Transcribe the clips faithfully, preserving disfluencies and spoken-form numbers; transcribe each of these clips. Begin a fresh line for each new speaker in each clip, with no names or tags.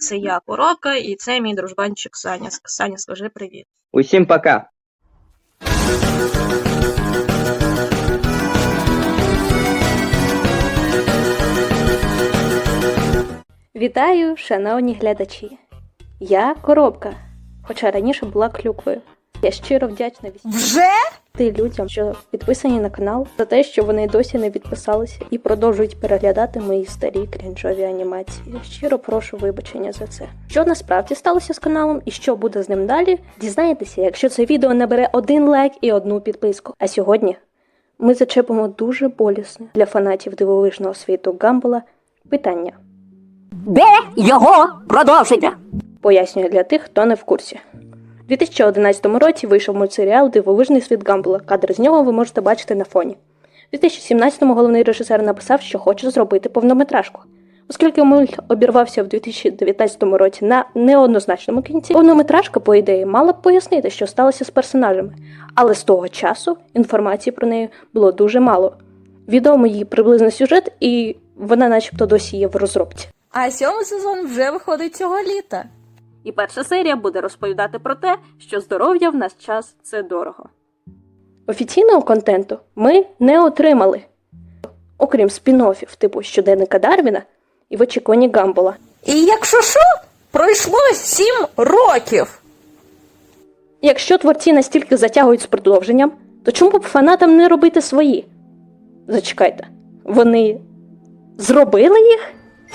Це я, Коробка, і це мій дружбанчик Саня. Саня, скажи привіт.
Усім пока.
Вітаю, шановні глядачі! Я Коробка, хоча раніше була Клюквою. Я щиро вдячна вісімнадцяти людям, що підписані на канал, за те, що вони досі не підписалися і продовжують переглядати мої старі крінжові анімації. Щиро прошу вибачення за це. Що насправді сталося з каналом і що буде з ним далі, дізнаєтеся, якщо це відео набере один лайк і одну підписку. А сьогодні ми зачепимо дуже болісне для фанатів дивовижного світу Гамбола питання.
Де його продовження?
Пояснюю для тих, хто не в курсі. У дві тисячі одинадцятому році вийшов мультсеріал «Дивовижний світ Гамбола». Кадр з нього ви можете бачити на фоні. У дві тисячі сімнадцятому головний режисер написав, що хоче зробити повнометражку. Оскільки мульт обірвався в дві тисячі дев'ятнадцятому році на неоднозначному кінці, повнометражка, по ідеї, мала б пояснити, що сталося з персонажами. Але з того часу інформації про неї було дуже мало. Відомо її приблизний сюжет, і вона начебто досі є в розробці.
А сьомий сезон вже виходить цього літа.
І перша серія буде розповідати про те, що здоров'я в наш час – це дорого. Офіційного контенту ми не отримали, окрім спін-оффів типу «Щоденника Дарвіна» і «В очікуванні Гамбола».
І якщо що, пройшло сім років.
Якщо творці настільки затягують з продовженням, то чому б фанатам не робити свої? Зачекайте, вони зробили їх?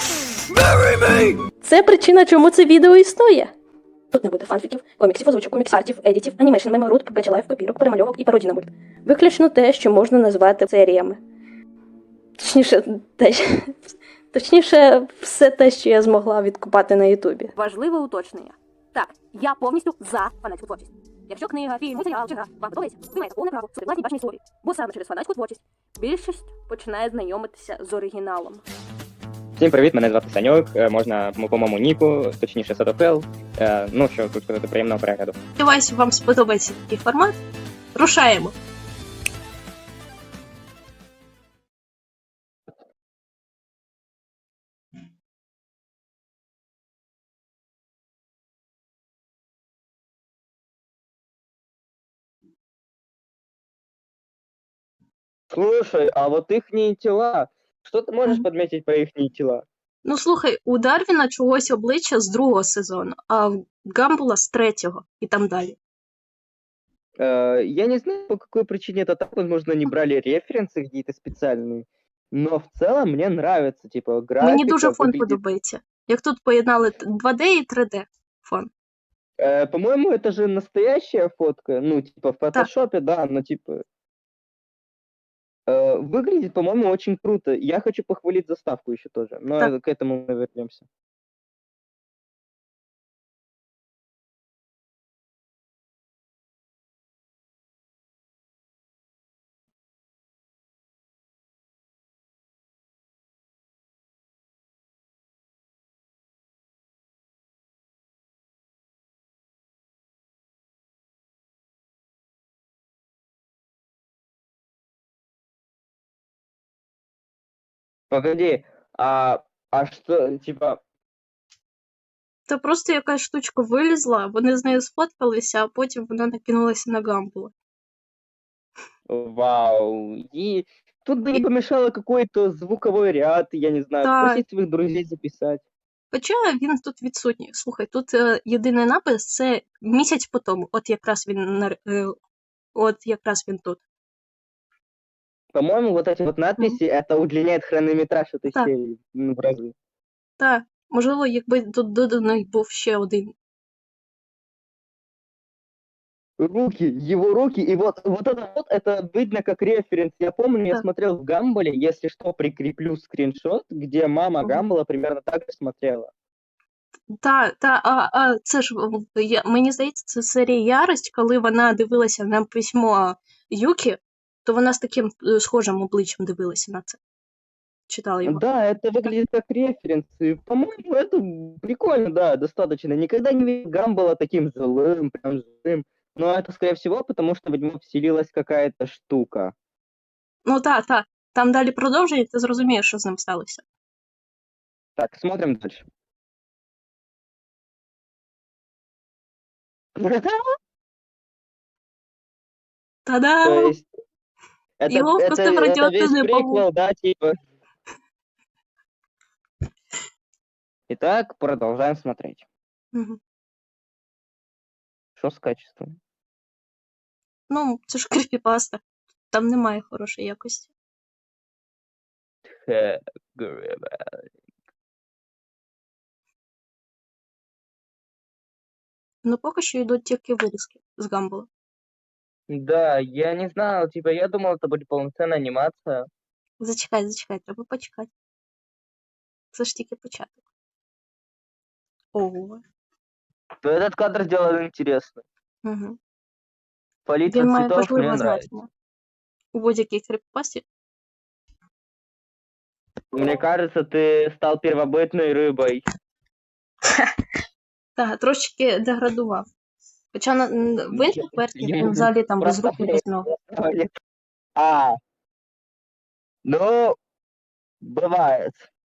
Це причина, чому це відео існує. Тут не буде фанфіків, коміксів, озвучок, комікс-артів, едітів, анімейшн, меморут, печелайв, копірок, перемальовок і пародій на мульт. Виключно те, що можна назвати серіями. Точніше, те, точніше, все те, що я змогла відкопати на Ютубі.
Важливе уточнення. Так, я повністю за фанатську творчість. Якщо книга, фільм, серіал чи гра вам подобається, ви маєте повне право власні бачення історії. Бо саме через фанатську творчість більшість починає знайомитися з оригіналом.
Всім привіт, мене звати Саньок, е, можна по моєму ніку, точніше Садофел. Е, ну, що тут сказати, приємного перегляду.
Сподіваюсь, вам сподобається такий формат. Рушаємо.
Слушай, а вот ихние тела, что ты можешь
Мгм.
подметить про ихние тела?
Ну, слухай, у Дарвіна чогось обличчя з другого сезону, а в Гамбола з третього і там далі.
Э, я не знаю, по какой причине это так, возможно, не брали референсы какие-то специальные, но в целом мне нравится, типа, графика
Мені дуже фон
выглядит...
подобається. Як тут поєднали два Д і три Д фон.
Э, по-моему, это же настоящая фотка, ну, типа, в фотошопе, да, но, типа... Э, выглядит, по-моему, очень круто. Я хочу похвалить заставку еще тоже, но
Так.
к этому мы вернемся. Погоди, а, а что, типа,
Та просто якась штучка вилізла, вони з нею сфоткалися, а потім вона накинулася на Гамбола.
вау, и тут бы не помешало какой-то звуковой ряд, я не знаю,
Так.
попросить своих друзей записать.
Хоча він тут відсутній. Слухай, тут е, єдиний напис – це місяць по тому. От якраз він, на- е, от якраз він тут.
По-моему, вот эти вот надписи, это удлиняет хронометраж этой
Так.
серии, ну, в разы.
Та, можливо, якби тут доданий був ще один.
Руки, его руки, и вот, вот это вот, это видно как референс. Я помню, я
Так.
смотрел в Гамболе, если что, прикреплю скриншот, где мама
Мгм.
Гамбола примерно так же смотрела.
Та, та, а, а це ж, в- я, мені здається, це серія Ярость, коли вона дивилася на письмо Юкі, то вона з таким е, схожим обличчям дивилася на це. Читала його.
Да, это выглядит как референс. И, по-моему, это прикольно, да, достаточно. Никогда не видел Гамбола таким злым, прям злым. Но это, скорее всего, потому что в него вселилась какая-то штука.
Ну та, та, там далі продовжує, ти зрозумієш, що з ним сталося.
Так, смотрим дальше. То
Та-дам!
есть, это,
Его
это,
просто в
это весь
радиоактивный паук.
приквел, да, типа. Итак, продолжаем смотреть.
Мгм.
Что с качеством?
Ну, це ж кріпіпаста. Там немає хорошої якості.
Хе, гребе.
Ну, поки що йдуть тільки вирізки з Гамбола.
Да, я не знал, типа, я думал, это будет полноценная анимация.
Зачекай, зачекай, треба почекати. Це ж тільки початок. Ого.
То этот кадр сделал интересно.
Угу.
Палитра
Він має
цветов мне
важливе
нравится.
значення. У будь-якій кріпіпасті.
Мне кажется, ты стал первобытной рыбой.
Так, трошечки деградував. Хоча на, н- в інших версіях він взагалі там без рук і без ног.
А, ну, бывает.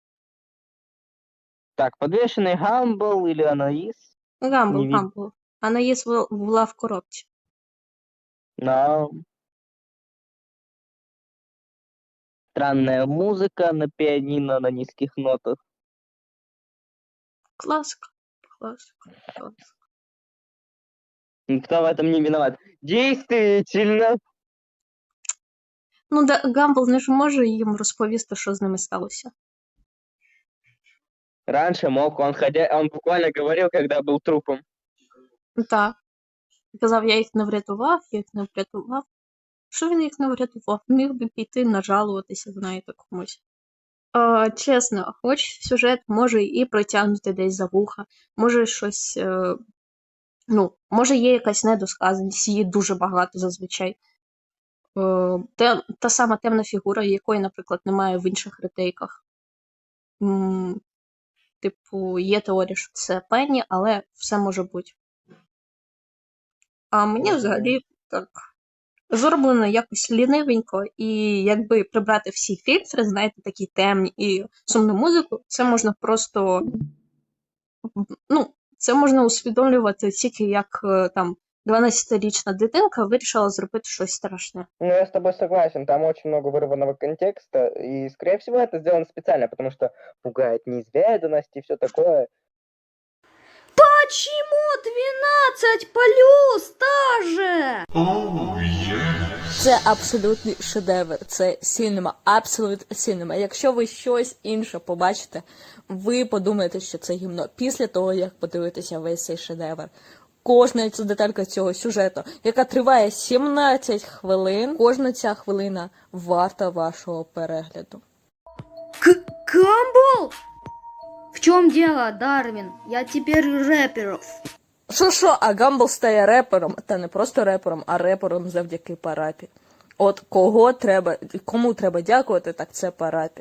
Так, подвешенный Гамбл или Анаис?
Гамбл,
Не вид-
Гамбл. Анаїс в- була в коробці.
Но... Странная музыка на пианино на низких нотах.
Класика. Класика. Класика.
Никто в этом не виноват. Действительно.
Ну, да, Гамбл не ж може їм розповісти, що з ними сталося.
Раньше мог, он ходя, он буквально говорил, когда был трупом.
Так. Казав, я їх не врятував, я їх не врятував. Що він їх не врятував? Міг би піти нажалуватися, знаєте, комусь. А, чесно, хоч сюжет може і протягнути десь за вуха, може щось, е, ну, може є якась недосказаність, її дуже багато зазвичай. Е, те, та сама темна фігура, якої, наприклад, немає в інших ретейках. М, типу, є теорія, що це Пенні, але все може бути. А мені
Мгм.
взагалі так зроблено якось лінивенько, і якби прибрати всі фільтри, знаєте, такі темні і сумну музику, це можна просто, ну, це можна усвідомлювати тільки як е, там дванадцятирічна дитинка вирішила зробити щось страшне.
Ну, я с тобой согласен, там очень много вырванного контекста, и, скорее всего, это сделано специально, потому что пугает неизведанность и все такое.
Почему двенадцать плюс даже?
Це абсолютний шедевр. Це сінема, абсолют сінема. Якщо ви щось інше побачите, ви подумаєте, що це гімно. Після того, як подивитеся весь цей шедевр. Кожна ця деталька цього сюжету, яка триває сімнадцять хвилин, кожна ця хвилина варта вашого перегляду.
К- Камбл? В чем дело, Дарвин? Я теперь рэперов.
Що-що, а Гамбл стає репером, та не просто репером, а репером завдяки Парапі. От кого треба, кому треба дякувати, так це Парапі.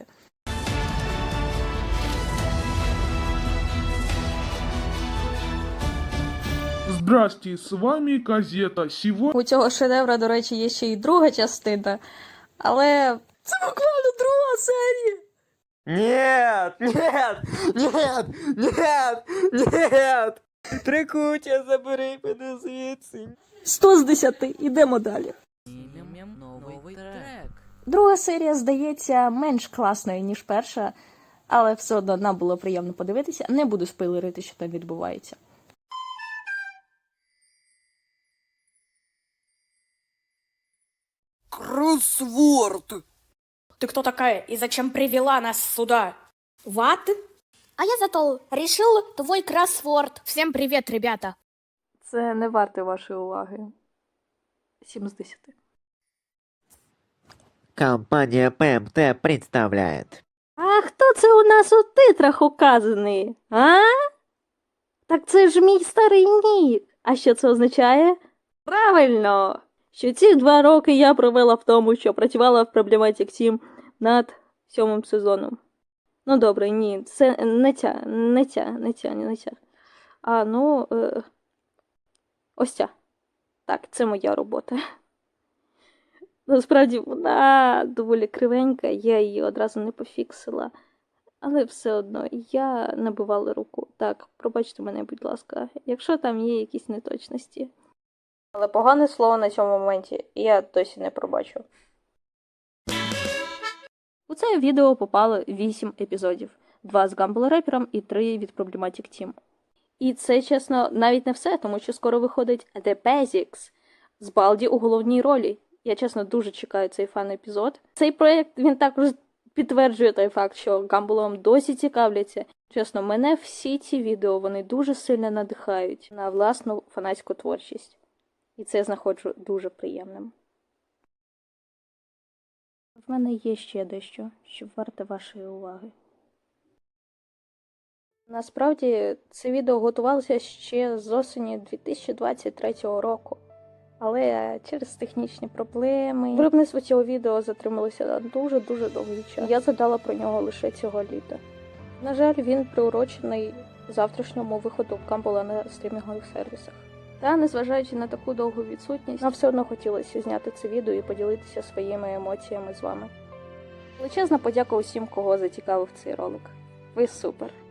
Здрасте, с вами Газета. Сегодня
У цього шедевра, до речі, є ще й друга частина, але це буквально друга серія.
Нет, нет, нет, нет, нет. Трикутя, забери мене звідси.
сто з десяти, ідемо далі.
Новий трек.
Друга серія, здається, менш класною, ніж перша, але все одно нам було приємно подивитися. Не буду спойлерити, що там відбувається.
Кроссворд.
Ты кто такая и зачем привела нас сюда? Ват?
А я зато решил твой кроссворд.
Всем привет, ребята.
Це не варте вашої уваги. сім з десяти.
Компания пэ эм тэ представляет.
А хто це у нас у титрах указаний? А? Так це ж мій старий нік. А що це означає? Правильно! Що ці два роки я провела в тому, що працювала в Problematic Team над сьомим сезоном. Ну добре, ні, це не ця, не ця, не ця, не ця. А, ну, е... ось ця. Так, це моя робота. Насправді вона доволі кривенька, я її одразу не пофіксила. Але все одно я набивала руку. Так, пробачте мене, будь ласка, якщо там є якісь неточності. Але погане слово на цьому моменті я досі не пробачу. У це відео попало вісім епізодів. Два з Гамбл Репером і три від Problematic Team. І це, чесно, навіть не все, тому що скоро виходить The Basics з Балді у головній ролі. Я, чесно, дуже чекаю цей фан-епізод. Цей проєкт, він також підтверджує той факт, що Гамблом досі цікавляться. Чесно, мене всі ці відео, вони дуже сильно надихають на власну фанатську творчість. І це я знаходжу дуже приємним. В мене є ще дещо, що варте вашої уваги. Насправді, це відео готувалося ще з осені дві тисячі двадцять третього року. Але через технічні проблеми виробництво цього відео затрималося на дуже-дуже довгий час. Я згадала про нього лише цього літа. На жаль, він приурочений завтрашньому виходу Гамбла на стрімінгових сервісах. Та, незважаючи на таку довгу відсутність, нам все одно хотілося зняти це відео і поділитися своїми емоціями з вами. Величезна подяка усім, кого зацікавив цей ролик. Ви супер!